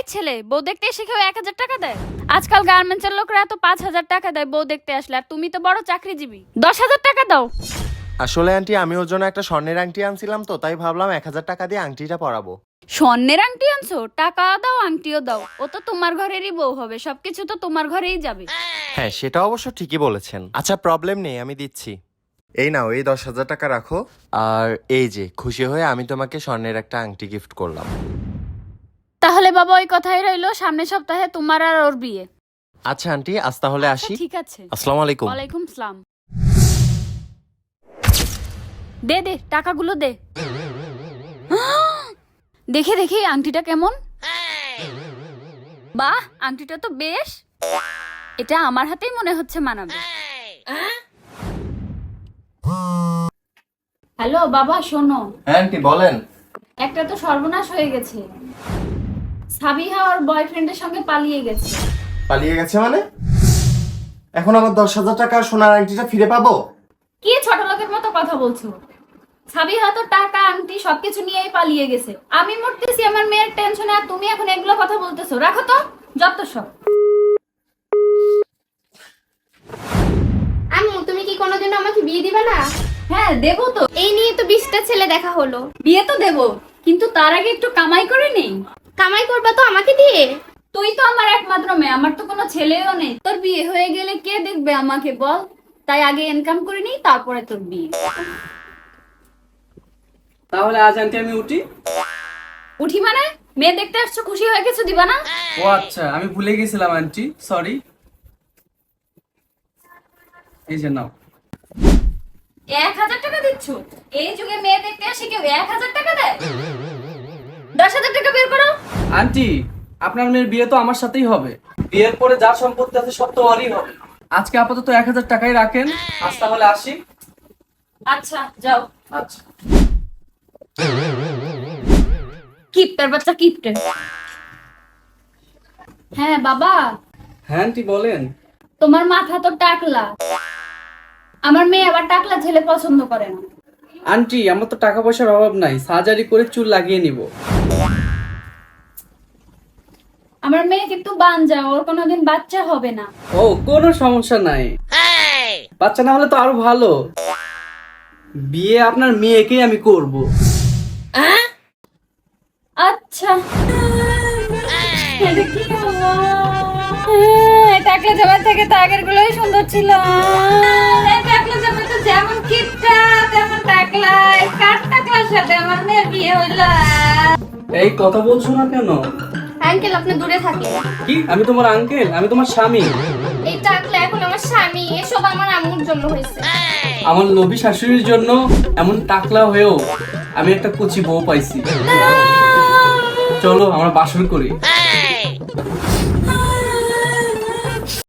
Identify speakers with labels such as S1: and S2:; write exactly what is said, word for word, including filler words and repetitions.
S1: ছেলে বউ দেখতে এসে কেউ এক হাজার টাকা দেয়? আজকাল গার্মেন্টসের লোকরা তো পাঁচ হাজার টাকা দেয় বউ দেখতে আসলে, আর তুমি তো বড় চাকরিজীবী, দশ হাজার টাকা দাও।
S2: আসলে আন্টি আমি ওর জন্য একটা স্বর্ণের আংটি আনছিলাম, তো তাই ভাবলাম এক হাজার টাকা দিয়ে আংটিটা পরাবো।
S1: স্বর্ণের আংটি আনছো? টাকা দাও আংটিও দাও, ও তো তোমার ঘরেরই বউ হবে, সবকিছু তো তোমার ঘরেই যাবে।
S2: হ্যাঁ সেটা অবশ্য ঠিকই বলেছেন। আচ্ছা প্রবলেম নেই, আমি দিচ্ছি। এই নাও, এই দশ হাজার টাকা রাখো। আর এই যে খুশি হয়ে আমি তোমাকে স্বর্ণের একটা আংটি গিফট করলাম।
S1: তাহলে বাবা ওই কথাই রইলো, সামনের সপ্তাহে তোমার আর ওর বিয়ে।
S2: আচ্ছা আন্টি আজ তাহলে
S1: আচ্ছা,
S2: আসি।
S1: ঠিক আছে।
S2: আসসালামু আলাইকুম।
S1: ওয়ালাইকুম সালাম। দে দে টাকাগুলো দে। দেখে দেখি আংটিটা কেমন। বাহ, আংটিটা তো বেশ, এটা আমার হাতেই মনে হচ্ছে মানাবে। হ্যালো বাবা, শোনো।
S2: হ্যাঁ আন্টি বলেন।
S1: একটা তো সর্বনাশ হয়ে গেছে, সাবিহা ওর বয়ফ্রেন্ডের সঙ্গে পালিয়ে গেছে।
S2: পালিয়ে গেছে মানে? এখন আমার দশ হাজার টাকা সোনার আংটিটা ফিরে পাবো?
S1: কি ছোট লোকের মতো কথা বলছো? সাবিহা তো টাকা আংটি সবকিছু নিয়েই পালিয়ে গেছে। আমি মরতেছি আমার মেয়ের টেনশনে, আর তুমি এখন এগুলো কথা বলতেছো? রাখো তো যত সব।
S3: আম্মু, তুমি কি কোনোদিনও আমাকে বিয়ে দিবে না?
S1: হ্যাঁ দেবো তো,
S3: এই নিয়ে তো বিশটা ছেলে দেখা হলো।
S1: বিয়ে তো দেবো, কিন্তু তার আগে একটু কামাই করে নেই।
S3: কামাই করবা তো আমাকে দিয়ে?
S1: তুই তো আমার একমাত্র মেয়ে, আমার তো কোনো ছেলেও নেই। তোর বিয়ে হয়ে গেলে কে দেখবে আমাকে বল? তাই আগে ইনকাম করে নিই, তারপরে তোর বিয়ে।
S4: তাহলে আজ আন্টি আমি উঠি।
S1: উঠি মানে? মেয়ে দেখতে আসছো, খুশি হয়ে কিছু দিবা না?
S4: ও আচ্ছা, আমি ভুলে গেছিলাম আন্টি, সরি। এই যে নাও।
S1: এক হাজার টাকা দিচ্ছ? এই যুগে মেয়ে দেখতে আসে কেউ এক হাজার টাকা দেয়? দশ হাজার টাকা বের করো।
S4: আন্টি, আপনার মেয়ের বিয়ে তো আমার সাথেই হবে। বিয়ের পরে যা সম্পত্তি আছে সব তো ওরই হবে। আজকে আপাতত এক হাজার টাকাই রাখেন। আজ তাহলে আসি।
S1: আচ্ছা যাও।
S4: আচ্ছা।
S1: কিপটার বাচ্চা, কিপটে। হ্যাঁ বাবা।
S4: হ্যাঁ আন্টি বলেন।
S1: তোমার মাথা তো টাকলা, আমার মেয়ে আবার টাকলা ছেলে পছন্দ করে না।
S4: আন্টি, আমার তো টাকা পয়সার অভাব নাই, সার্জারি করে চুল লাগিয়ে নিব।
S1: আমার মেয়ে কিন্তু বানজা, ওর কোনোদিন বাচ্চা হবে না।
S4: ও কোনো সমস্যা নাই, বাচ্চা না হলে তো আরো ভালো। বিয়ে আপনার মেয়েকেই আমি করব।
S1: আচ্ছা এটা কি হলো? হ্যাঁ, টাকলা জামা থেকে তো আগের গুলোই সুন্দর ছিল। এই টাকলা জামা তো যেমন কিপটা তেমন টাকলা, এই কাঠ টাকলার সাথে আমার মেয়ের বিয়ে হইলো।
S4: এই কথা বলছো না কেন?
S3: আঙ্কেল, আপনি দূরে থাকেন।
S4: কি আমি তোমার আঙ্কেল? আমি তোমার স্বামী।
S3: এই টাকলা এখন আমার স্বামী, এসব আমার আম্মুর জন্য হয়েছে।
S4: আমার লোভী শাশুড়ির জন্য এমন টাকলা হয়েও আমি একটা কুচি বউ পাইছি। চলো আমরা বাসর করি।